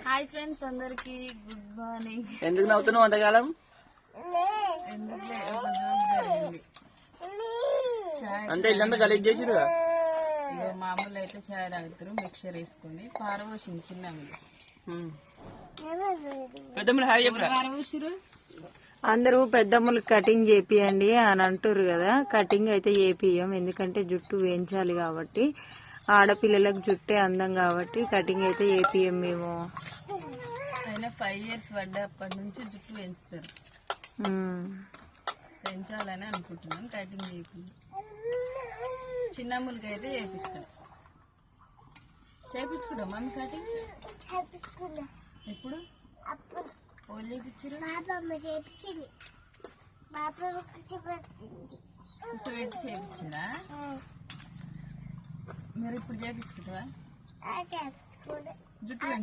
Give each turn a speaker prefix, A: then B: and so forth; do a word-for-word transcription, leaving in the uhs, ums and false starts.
A: Hi friends అందరికి good morning.
B: ఎందుకు నవ్వుతున్నావు వంటకాలం? అంటే ఇల్లంతా గలీజ్ చేసిరు.
A: మామూలు అయితే చాయ్ తాగుతారు మిక్చర్ వేసుకుని పారబోసింది చిన్న
B: పెద్దమ్మలు హాయ్ చెప్పరా.
A: పారబోసిరు
C: అందరూ పెద్దమ్మలు కటింగ్ చేపియండి అని అంటారు కదా. కటింగ్ అయితే చేపియం, ఎందుకంటే జుట్టు వేయించాలి కాబట్టి. ఆడపిల్లలకు జుట్టే అందం కాబట్టి కటింగ్ అయితే చేపియం మేము.
A: అయినా ఫైవ్ ఇయర్స్ పడ్డప్పటి నుంచి జుట్టు పెంచుతారు, పెంచాలని అనుకుంటున్నాం. కటింగ్ చేపి చిన్నమ్మలకి అయితే చేపిస్తాం. చేపించుకుంటాం మమ్మీ కటింగ్ ఎప్పుడు ఓళ్ళు చేపించారు పెట్టి చేపించిందా? మీరు ఇప్పుడు చేపించుకుంటావా జుట్టు?